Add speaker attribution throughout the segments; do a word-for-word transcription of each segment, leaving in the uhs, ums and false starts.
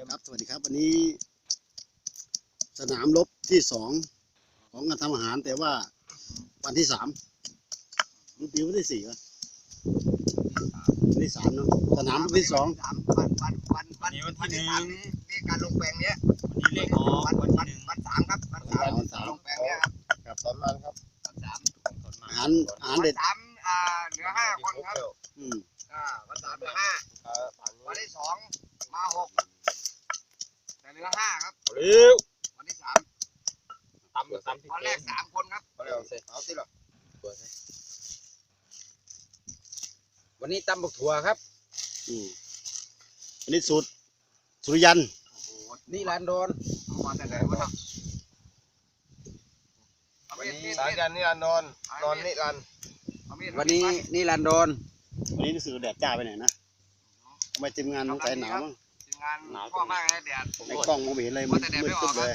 Speaker 1: ครับสวัสดีครับวันนี้สนามรบที่สองของการทำอาหารแต่ว่าวันที่สามนี่ปีวันที่สี่วะวันที่สามเนาะสนามรบที่สอง
Speaker 2: วันวันวันวันนี้วันที่สามนี้นี่การลงแปลงเนี้ย
Speaker 3: วันนี้เลขออก
Speaker 2: วัน
Speaker 3: วัน
Speaker 2: วัน
Speaker 3: ที่หนึ่ง
Speaker 2: วันสามครับวันสาม
Speaker 1: วันสาม
Speaker 2: ลงแปลงเนี้ยครับ
Speaker 1: ครับตอนนั้นครับ
Speaker 2: วันสาม
Speaker 1: อาหารอาหาร
Speaker 2: วัน
Speaker 1: เด็ด
Speaker 2: สามอ่าเหลือห้าคนครับ
Speaker 1: อืม
Speaker 2: อ่าวันสามเหลือห้าวันที่สองมาหกแต่เหลือห้าครับ
Speaker 3: เร็ว
Speaker 2: วันที่สาม
Speaker 3: ตำตำ
Speaker 2: วันแรกสามคนครับ
Speaker 3: เอาสิหรอวันนี้ตำบักถั่วครับ
Speaker 1: อืมอันนี้สูตรสุริยัน
Speaker 2: โอ้โห
Speaker 3: นี่ร้านโดน
Speaker 2: เอามาแต่ไหนวะครับเอามีดมีด
Speaker 4: สา
Speaker 2: มีด
Speaker 4: ยันนี่อันนอนนอนนี่อัน
Speaker 2: เอามีด
Speaker 3: วันนี้นี่ร้านโดน
Speaker 1: วันนี้รู้สึกแดดจ้าไปหน่อยนะทำไมทีมงานต้องใจหนาวมั้ง
Speaker 2: ทีมงานพ่อมากเลยแดด
Speaker 1: ไอ้กล้องมองไม่เห็นเลยมันมืดตึ๊บเลย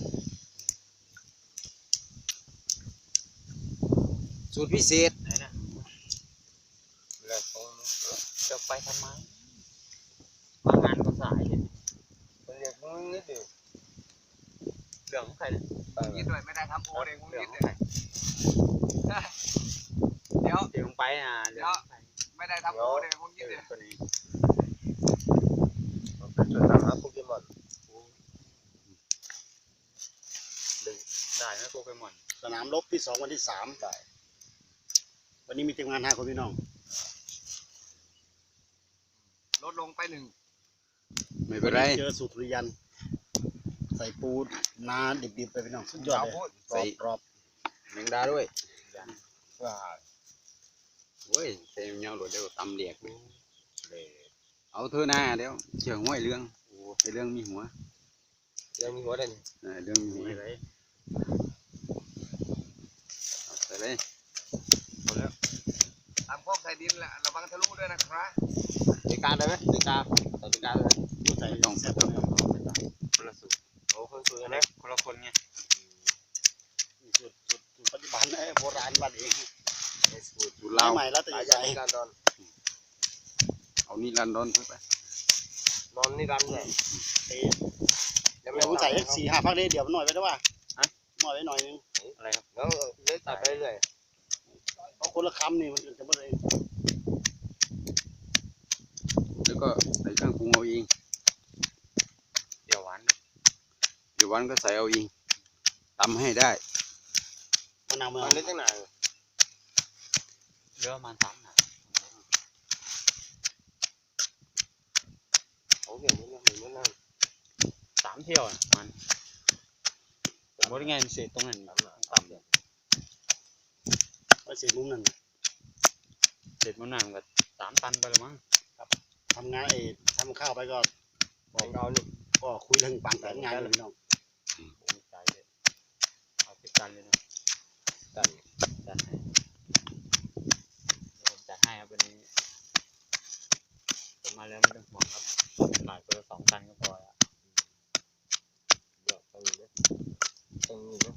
Speaker 3: สูตรพิเศษไหนนะ
Speaker 4: แล้วเขา
Speaker 3: จะไปทำไมมางานก็สายเห็น
Speaker 4: เป็นเรียกมึงนิดเดียว
Speaker 3: เหลืองใครเนี่ย
Speaker 2: กินด้วยไม่ได้ทำโอเองมึงนิดเลยเดี๋ยว
Speaker 3: เดี๋ยวลงไปอ่ะเหลืองใคร
Speaker 2: ไม่ได้ทำโอเลยมึงนิดเลย
Speaker 3: ตัวนี้
Speaker 4: เป็นจุดตามหาโปเกมอน
Speaker 3: ได้ไหมโปเกมอน
Speaker 1: สนามรบที่สองวันที่สามได้วันนี้มีทีมงานห้าคนพี่น้อง
Speaker 2: ลดลงไปหนึ่ง
Speaker 3: ไม่เป็นไร
Speaker 1: เจอสูตรสุริยันใส่ปูนาดิบๆไปพี่น้องสุดยอดเลยกรอบกรอบ
Speaker 3: แมงดาด้วย
Speaker 4: ว่า
Speaker 3: เว้ยเต็มเงาหลุดเดี๋ยวตำเดียกเอาเธอหน้าเดี๋ยวเชื่อห้วยเรื่องไอเรื่องมีหัว
Speaker 4: ยังมีหัวได้
Speaker 3: เออเรื่องมีหัวเอาไปเลย
Speaker 2: ตามพวกใส่ดินแหละระวังทะลุด้วยนะครับ
Speaker 4: ตีการได้ไหมตีการตีการเลย
Speaker 1: ผู้ใส่
Speaker 3: ต้อง
Speaker 1: แซ่บ
Speaker 3: ต้อง
Speaker 1: เลย
Speaker 3: คนละสูตร
Speaker 4: โอ้คนสวยนะ
Speaker 3: คนละคนไง
Speaker 1: สูตรสูตรสูตรปัจจุบันไอ้โบราณบ้านเอง
Speaker 3: สูตร
Speaker 1: สูตร
Speaker 3: เรา
Speaker 1: ใหม่แล้วแต่
Speaker 4: สา
Speaker 1: ให
Speaker 4: ยั
Speaker 1: ญ่
Speaker 4: นนี่อันนอน
Speaker 3: เอานี่รันดอนเข้าไป
Speaker 4: นอนนี่รันเลย
Speaker 1: เอ้ยเดี๋ยวผู้ใส่สี่ห้าพักได้เดี๋ยวมันหน่อยไปได้ว่าหน่อยไปหน่อยนึง
Speaker 3: อะไรครับ
Speaker 4: แล้วเลื่อยตัดไปเรื่อย
Speaker 1: เพราะคนละคำนี่มันจะไม่ได้
Speaker 3: แล้วก็ใส่เครื่องปรุงเอาเองเดี๋ยวหวานเดี๋ยวหวานก็ใส่เอาเองตำให้ได้
Speaker 1: มะนาว
Speaker 4: มั
Speaker 1: มะ
Speaker 4: น
Speaker 1: นาว
Speaker 4: เล็กตั้งนาน
Speaker 3: เหลือประมาณสามหนา
Speaker 4: โอ้เกี่ยวมันเหมือนมันนั่ง
Speaker 3: สามเที่ยวอ่ะมันผมว่าไงมันเศษตรงนั้นต่ำเลย
Speaker 1: ไว้เสียมุมนั่น
Speaker 3: เศษมันหนักกับสามตันไปแล้วมั้ง
Speaker 1: ทำงานไอ้ทำข้าวไปก็
Speaker 4: บอกเรานี่
Speaker 1: ก็คุยเรื่องปางแต่งงานเลยพี่น้อง
Speaker 3: ผมใจเลยเอาสิบตันเลยนะ
Speaker 4: ตัน
Speaker 3: จัดให้เดี๋ยวผมจัดให้ครับวันนี้ผมมาแล้วไม่ต้องห่วงครับหลายตัวสองตันก็พอแล้ว
Speaker 4: เดี๋ยวตรงนี้นะตรงนี้นะ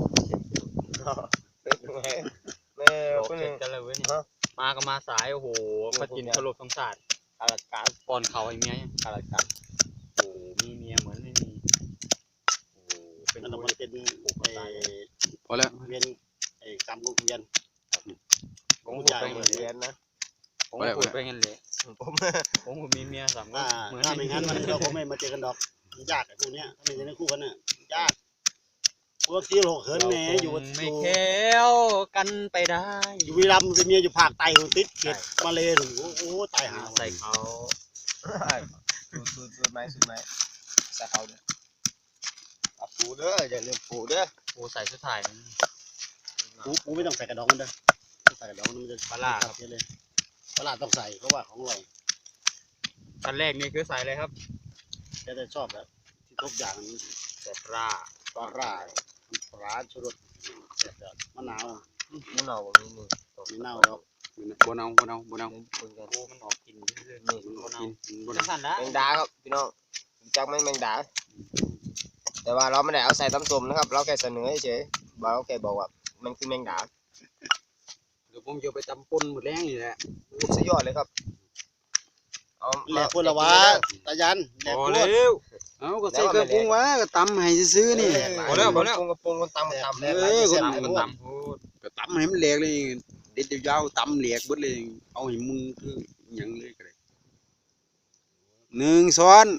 Speaker 4: เป็นยังไงแม่
Speaker 3: โอ
Speaker 4: คน
Speaker 3: เค
Speaker 4: นึง
Speaker 3: กันเลยเว้ยนี่มาก็มาสายโอ้โหพจินสลบสงสาร
Speaker 4: อาราการ
Speaker 3: ป้อนเขาไอ้เมียยัง
Speaker 4: อาราการ
Speaker 3: โอ้โหมีเมียเหมือนไม่มีโอ้โหเป็น
Speaker 1: มัน
Speaker 3: ผู้
Speaker 1: มันเป็นไอ้
Speaker 3: พอแล้ว
Speaker 1: เวียนไอ้กรรมของเวียน
Speaker 3: ผมพูด
Speaker 1: ใหญ่
Speaker 3: ไป
Speaker 4: เห
Speaker 3: งั้น
Speaker 4: มือน
Speaker 3: เล
Speaker 4: เรีย
Speaker 3: ย
Speaker 4: นนะ
Speaker 3: ผมพูดไปงั้นเลย
Speaker 4: ผม
Speaker 3: ผมผมมีเมียสามคน
Speaker 1: ถ้า
Speaker 3: เหมือน
Speaker 1: ถ้าไม่งั้นมันเราคงไม่มาเจอกันดอกมันยากไอ้พวกเนี้ยถ้าไม่ใช่ในคู่กันน่ะยากพวกที่โลกเหินแหมอยู่
Speaker 3: ไม่
Speaker 1: อยู่
Speaker 3: แค้วกันไปได้
Speaker 1: อยู่วีรัมย์เป็นเมียอยู่ภาคใต้ติดเขตมาเลยถึงโอ้โหตายหา
Speaker 3: ใส่เขา
Speaker 4: สูดสูดสูดไม้สูดไม้ใส่เขาเนี่ยเอาปูเด้ออย่าลืมปูเด้อ
Speaker 3: โอ้ใส่ชุดถ่ายมัน
Speaker 1: ปูปูไม่ต้องใส่กระดองมันเด้อใส่กระดองมันจะ
Speaker 3: ปลาล่าครับ
Speaker 1: เยอะเลยปลาล่าต้องใส่เพราะว่าของอร่อย
Speaker 3: อันแรกนี่คือใส่เลยครับ
Speaker 1: แต่จะชอบแบบที่ทุกอย่างมัน
Speaker 3: ใส่ปลา
Speaker 1: ปลาร่าปลาชูรสเสร็จแล้วมะนาว
Speaker 4: มันเอาแบบนี้นี่
Speaker 1: มีเน่าดอก
Speaker 3: บนเอาบนเอาบนเอา
Speaker 4: คุยกัน
Speaker 3: โอ้มันออกกินเรื่อยๆ
Speaker 4: นี่
Speaker 3: บนเอา
Speaker 1: กิน
Speaker 3: บนเอาสั่นนะ
Speaker 4: แมงดาครับพี่น้องรู้จักไหมแมงดา แต่ว่าเราไม่ได้เอาใส่ตำส้มนะครับ เราแค่เสนอเฉยๆเราแค่บอกว่ามันคือแมงดา
Speaker 3: เดี๋ยวผมจะไปตำปนหมดแรงนี่แหละ
Speaker 4: สุดยอดเลยครับเอา
Speaker 1: แหลกคนละวะตายันแหลก
Speaker 3: โอ้
Speaker 1: คน
Speaker 3: เร็วเอาก็ใส่เครื่องปรุงวะก็ตำให้ซื้อๆนี่
Speaker 4: พอแล้วพอแล้วปรุงกระปรุงคนตำตำ
Speaker 1: แล้
Speaker 3: เออคน
Speaker 1: ตำ
Speaker 3: คนตำพูดก็ตำให้มันแหลกเลยเด็ดยาวๆตำแหลกเบิดเลยเอาให้มึงคือหยังเลยก็ได้หนึ่งช้อน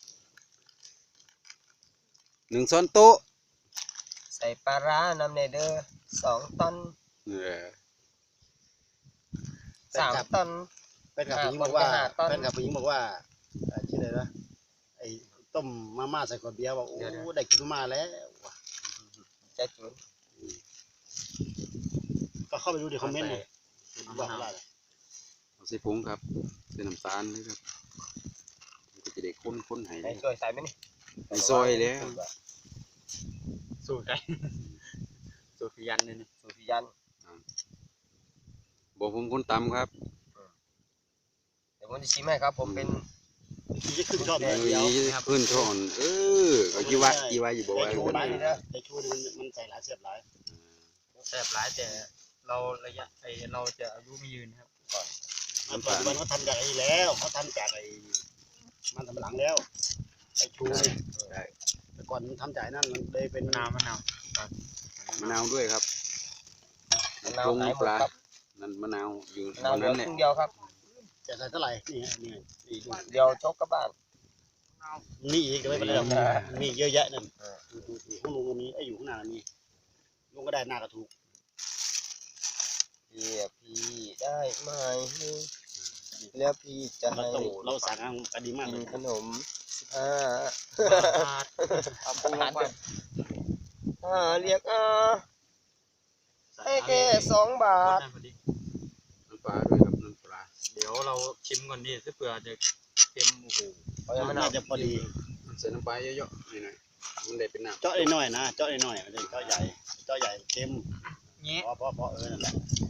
Speaker 3: หนึ่งช้อนโต๊ะ
Speaker 4: ใส่ปลาร้าน้ำเนเดอร์สองตอน
Speaker 3: เออ
Speaker 4: สามตอน
Speaker 1: แฟนกับผู้หญิงบอกว่า
Speaker 4: หาต้น
Speaker 1: แฟนกับผู้หญิงบอกว่าเอ่อชื่ออะไรนะไอ้ต้มมาม่าใส่ขวดเบียร์บอกโอ้ได้กินมาม่าแล้วว่ะ
Speaker 4: จะจุน
Speaker 1: ก็เข้าไปดูในคอมเมนต์เลยบอกว่าอะไร
Speaker 3: เอาใส่ผงครับใส่น้ำตาลเลยครับมันก็จะได้ข้นๆให้
Speaker 4: ใส่ช่วยใส่ไหมนี่
Speaker 3: ใส่ซอยแล้ว
Speaker 5: สูตรไก่สูตรพิยันเลยนี่
Speaker 4: สูตรพิยัน
Speaker 3: บอกผมคนตำครับ
Speaker 4: เดี๋ยวผมจะชิมให้ครับ ผมเป็น
Speaker 1: ที่จะขึ้นชอบ
Speaker 3: เอ
Speaker 1: เลยเดียว
Speaker 3: อเพื่อนช่อนเออก็ยี่ว่ายี่ว่าอยู่บอกว่า
Speaker 1: ไอ้ชู
Speaker 3: คน
Speaker 1: หลาย
Speaker 3: นี้
Speaker 1: นะไอ้ชูนี่มันมันใส่หลายเสียบหลาย
Speaker 5: แซ่บหลายแต่เราระยะไอเราจะอายุไม่ยืนครับ
Speaker 1: มันปัจจุบันเขาทำจากไอ้แล้วเขาทำจากไอ้มันทำหลังแล้วไอ้ชูนี่แต่ก่อนมันทำจากไอ้นั่นมันเลยเป็น
Speaker 5: มะนาวมะนาว
Speaker 3: มะนาวด้วยครับ
Speaker 4: มะนาว
Speaker 3: ปรุง
Speaker 4: หายหม
Speaker 3: ป
Speaker 4: ด
Speaker 3: ลา
Speaker 4: ครับ
Speaker 3: นั่นมะนาวอยู่
Speaker 4: มะนาว
Speaker 3: ตอน
Speaker 4: เหลื
Speaker 3: นั้
Speaker 4: อน
Speaker 3: แห
Speaker 4: ค
Speaker 3: ละ
Speaker 4: รึ่งเดียวครับ
Speaker 1: จะใส่เท่าไหร่นี่ฮะนี่นี่ดู
Speaker 4: เดียวชกกระบาล
Speaker 1: มีอีกแต่ไม่เป็นไรหรอกมีเยอะแยะนั่นดูดูดูข้างลุงก็มีไอ้อยู่ข้างหน้าก็มีลุงก็ได้หน้าก็ถูก
Speaker 4: เรียกพี่ได้ไหมแล้วพี่จะ
Speaker 1: เรา
Speaker 4: ให้
Speaker 1: ต้องเราสั่งกันดีมาก
Speaker 4: กิ
Speaker 1: เล
Speaker 4: น
Speaker 1: ย
Speaker 4: ขนมสิบห้า
Speaker 5: เอาปรุงลงไป
Speaker 4: อ่าเรียกอ่าให้แค่สองบาท
Speaker 5: ได้พอดี
Speaker 3: น้ำปลาด้วยครับน้ำปลา
Speaker 5: เดี๋ยวเราชิมก่อนดิถ้าเผื่อจะเค็มโอ้โห
Speaker 4: เอาอย่างมะนา
Speaker 1: น่าว จะพอดี
Speaker 3: ใส่น้ำปลาเยอะๆหน่อยๆมันได้เป็นน้ำ
Speaker 1: เจาะได้น้อยนะเจาะได้น้อยไม่ได้เจาะใหญ่เจาะใหญ่เค็ม
Speaker 5: เงี้ย
Speaker 1: พอพอพอเออนั่นแหละ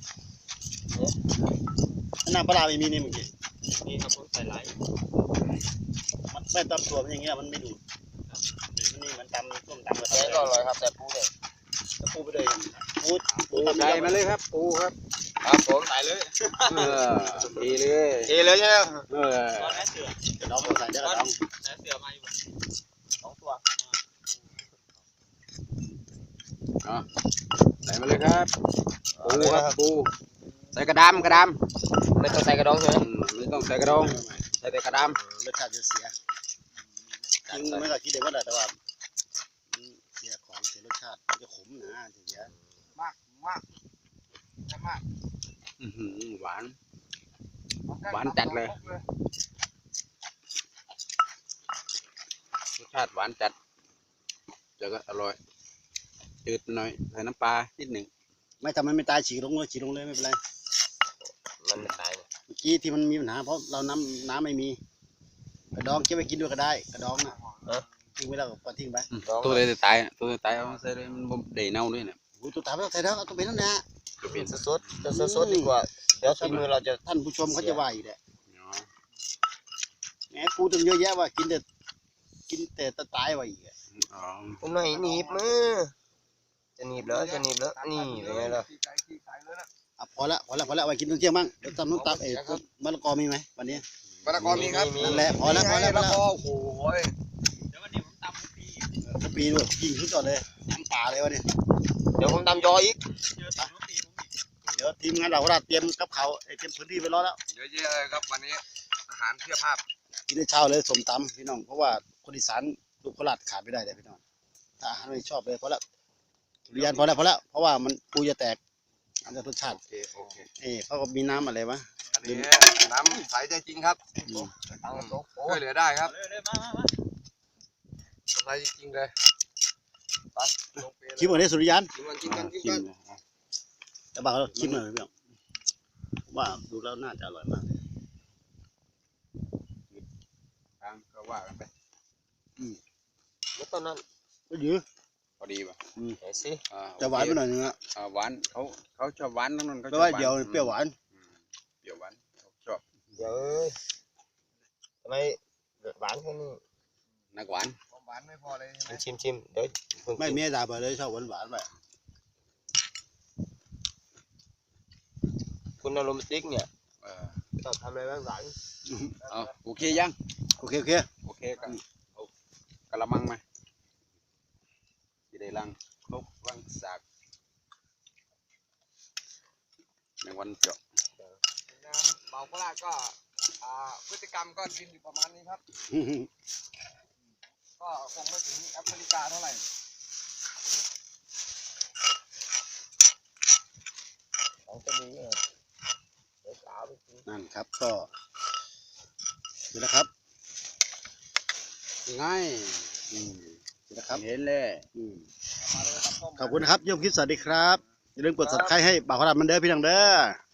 Speaker 1: น้ำปลาร้าไม่มีนี่เมื่อกี้
Speaker 5: นี่ครับผมใส่หลาย
Speaker 1: มันไม่ตำตัวมันอย่างเงี้ยมันไม่ดูดมันนี่เหมันตำต้มตำกระ
Speaker 4: แกงก็อร่อยครับแต่ปูเนี่ย
Speaker 1: ปูไปเลยปูปู
Speaker 3: ปู
Speaker 1: ตำ
Speaker 3: ใส่มาเลยครับปูครับ
Speaker 4: ครับผม
Speaker 5: ใส่เลย
Speaker 3: เออดีเลย
Speaker 4: เทเลยใช่ไหม
Speaker 3: เออ
Speaker 5: ตอนแรกเสือก
Speaker 1: ระดองใส่เดี๋ยวกระดอง
Speaker 5: แรกเสือมาอยู่
Speaker 4: สองตัว
Speaker 3: ใส่มาเลยครับปูครับปูใส่กระดามกระดาม
Speaker 4: ไม่ต้องใส่กระดองใช่ไหม
Speaker 3: อืมไม่ต้องใส่กระดองใส่แต่กระดาม
Speaker 1: รสชาติจะเสียจริงไม่ก็คิดเองว่าแต่ว่าเสียของเสียรสชาติมันจะขมนะเสีย
Speaker 2: มากมากมาก
Speaker 3: อื้อหือหวาน หวานจัดเลย รสชาติหวานจัดแล้วก็อร่อยจืดหน่อยใส่น้ำปลานิดหนึ่ง
Speaker 1: ไม่ทำมันไม่ตายฉีกลงเลยฉีกลงเลยไม่เป็นไร
Speaker 4: มันไม่ตายเนี่ย
Speaker 1: เมื่อกี้ที่มันมีปัญหาเพราะเราน้ำน้ำไม่มีกระดองเก็บไปกินด้วยก็ได้กระดองน่ะทิ้งไว้แล้วก็ปล่อยทิ้งไป
Speaker 3: ตัวเลยจะตายอะตัวเลยตายเอามาใส่เลยมันบ่ได้เน่าด้วยเนี่ย
Speaker 1: โอ้ตัวตายไม่ต้องใส่แล้วเอาตัวเป็นนั่นแหละ
Speaker 3: จะเป็น
Speaker 4: สดๆจะสดๆดีกว่าเดี๋ยวฝีมือเราจะ
Speaker 1: ท่านผู้ชมเขาจะว่าอยู่แหละ
Speaker 3: เนาะ
Speaker 1: แหมกูตึงเยอะแยะว่ากินแต่กินแต่ตะตายว่าอีกอะ
Speaker 3: อ๋อ
Speaker 4: ผมหน่อยหนีบมือจะหนีบเหรอจะหนีบเหรอนี่เป็นไงล่ะ
Speaker 1: อ่ะพอละพอละพอละไว้กินตอนเที่ยงบ้างเดี๋ยวตำน้ำตับเอ๋มะละกอมีไหมวันนี้
Speaker 2: มะละกอมีครับ
Speaker 1: นั่นแหละพอละพอละพอละ
Speaker 2: โอ้โห
Speaker 5: เดี๋ยววันนี้ผมตำปี
Speaker 1: กะปีด้วยยิงขึ้นก่อนเลยน้ำป่าเลยวะเนี่ย
Speaker 4: เดี๋ยวผมตำยออีก
Speaker 5: เจอตัวน้องตีผมอีก
Speaker 1: เดี๋ยวทีมงานเราเราเตรียมกับเขาวไอ้เตรียมพื้นที่ไปรอแล้ว
Speaker 2: เยอะแยะเลยครับวันนี้อาหารเพียบภาพ
Speaker 1: กินในเช้าเลยสมตำพี่น้องเพราะว่าคนอีสานลูกโคราชขาดไม่ได้เลยพี่น้องถ้าอาหารไม่ชอบเลยพอละเรียนพอแล้วพอแล้วเพราะว่ามันปูจะแตกอันนี้รสชาติ
Speaker 2: โอเคโอเค
Speaker 1: เอ้เขาก็มีน้ำอะไรวะ
Speaker 2: อันนี้น้ำใสใจจริงครับ
Speaker 1: อืม
Speaker 4: ตั้งโต๊ะโอ้
Speaker 2: ช่วยเหลือได้ครับ
Speaker 5: เลยเลยมามามา
Speaker 2: ใสจริงๆเลยไปลงเปรย์
Speaker 1: ชิมก่อนเลยสุริยัน
Speaker 2: ชิมกันชิมกันชิม
Speaker 1: ชิม
Speaker 2: กัน
Speaker 1: เลยแต่บางเราชิมหน่อยพี่น้องผมว่าดูแล้วน่าจะอร่อยมากเลย
Speaker 3: ตามก็ว่ากันไป
Speaker 4: แล้วตอนนั้น
Speaker 1: ก็ยื้อ
Speaker 3: พอดีป่ะ
Speaker 4: ไหนสิ
Speaker 3: อ่
Speaker 1: จะหวานไปหน่อยนึงอะ
Speaker 3: อ่าหวานเขาเขาชอบหวานทั้งนั้นเขา
Speaker 1: แต่
Speaker 3: ชอบ
Speaker 1: ว่า
Speaker 3: หาน
Speaker 1: เดี๋ยวเปรี้ยวหวาน
Speaker 3: อืมเปรี้ยวหวานเขาชอบ
Speaker 4: เดี๋ยวเอ้ยทำไมหวานแค่นี้
Speaker 3: นักหวาน
Speaker 2: ความหวานไม่พอเลยใช่ไหม
Speaker 4: ชิมชิมเดี๋ยวเพิ่ง
Speaker 1: ไม่
Speaker 4: กิน
Speaker 1: เมียด่าไปเลยชอบหวานหวานๆไป
Speaker 4: คุณอารมณ์สติ๊กเนี่ย
Speaker 3: เออ
Speaker 4: ชอบทำอะไรบ้างหวาน
Speaker 3: เอาโอเคยัง
Speaker 1: โอเคโอเค
Speaker 3: โอเคกันเอากระมังไหมจะได้ลังครบวังสากในวันเจาะ
Speaker 2: น้ำเบาโคราชก็อ่าพฤติกรรมก็กินอยู่ประมาณนี้ครับ ก็คงไม่ถึงแอฟริกาเท่าไหร่ของจะมีเนี่ยเดี๋ยวสาวไปกิน
Speaker 1: นั่นครับก็นี่นะครับ
Speaker 3: ง่าย
Speaker 1: อืมนี่นะครับ
Speaker 3: เห็นเลย
Speaker 1: อืม
Speaker 2: มาเลยครับต้ม
Speaker 1: ขอบคุณนะครับโยมคลิปสวัสดีครับอย่าลืมกด subscribe ให้บ่าวพระรามมันเด้อพี่น้องเด้อ